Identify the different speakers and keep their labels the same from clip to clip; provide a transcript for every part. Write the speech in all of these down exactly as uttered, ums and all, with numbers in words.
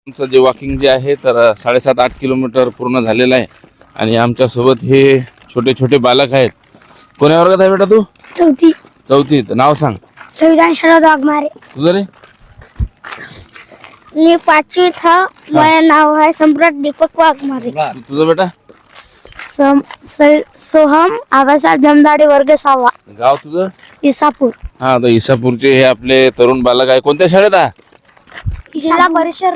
Speaker 1: आमचं जे वॉकिंग जे आहे तर साडेसात आठ किलोमीटर पूर्ण झालेलं आहे आणि आमच्यासोबत हे छोटे छोटे बालक आहेत. कोण्या वर्गात आहे बेटा तू?
Speaker 2: चौथी.
Speaker 1: चौथीत. नाव सांग.
Speaker 2: संविधान शरद वाघमारे.
Speaker 1: तुझं रे?
Speaker 2: मी पाचवी था. माझं नाव आहे सम्राट दीपक वाघमारे.
Speaker 1: तुझं बेटा?
Speaker 2: सम स- सोहम आबासाहेब जमदाडे वर्ग सहावा.
Speaker 1: गाव तुझं?
Speaker 2: इसापूर.
Speaker 1: हा, तर इसापूरचे हे आपले तरुण बालक आहे. कोणत्या शाळेत आहे?
Speaker 2: जिल्हा परिषद.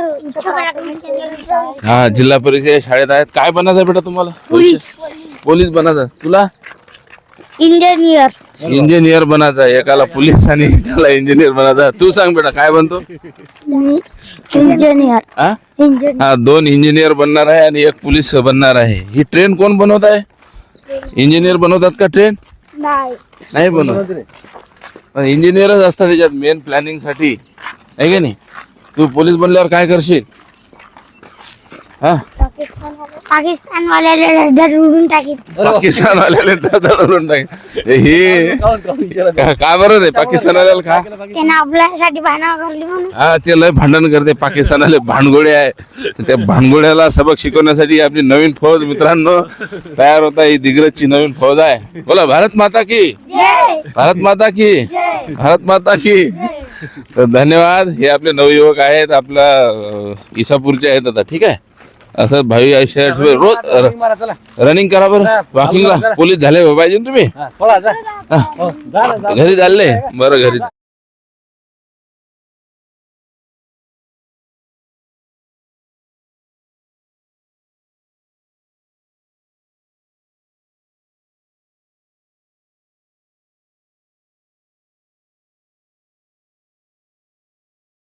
Speaker 1: हा, जिल्हा परिषद शाळेत आहेत. काय बनायचं आहे बेटा तुम्हाला?
Speaker 2: पोलीस.
Speaker 1: पोलीस बनायचं. तुला?
Speaker 2: इंजिनियर.
Speaker 1: इंजिनियर बनायचं आहे. एकाला पोलीस आणि एकाला इंजिनियर बनायचं आहे. तू सांग बेटा काय बनतो?
Speaker 2: इंजिनियर.
Speaker 1: हा
Speaker 2: इंजिनियर.
Speaker 1: हा, दोन इंजिनियर बनणार आहे आणि एक पोलीस बनणार आहे. ही ट्रेन कोण बनवत आहे? इंजिनियर बनवतात का ट्रेन?
Speaker 2: नाही.
Speaker 1: नाही बनवत. पण इंजिनियरच असतात त्याच्यात मेन प्लॅनिंग साठी, आहे का नाही? तू पोलीस बनल्यावर काय करशील? हा,
Speaker 2: पाकिस्तान वाल्याला उडून टाकीन.
Speaker 1: पाकिस्तान वाल्याला दडवून टाक. हे का का बरं रे पाकिस्तान वाल्याला का?
Speaker 2: त्यानं आपल्यासाठी भांडण करली म्हणून.
Speaker 1: हा, ते लय भांडण करते. पाकिस्तानाले भांडगोळे आहे. त्या भांडगोळ्याला सबक शिकवण्यासाठी आपली नवीन फौज मित्रांनो तयार होता. ही दिग्रजची नवीन फौज आहे. बोला भारत माता की, भारत माता की, भारत माता की. तर धन्यवाद. हे आपले नवयुवक आहेत, आपला अं, इसापूरचे आहेत. आता ठीक आहे, असं भावी आयुष्यात रोज रनिंग करा बरं. वॉकिंगला पोलीस झाले पाहिजे तुम्ही. घरी चालले बरं? घरी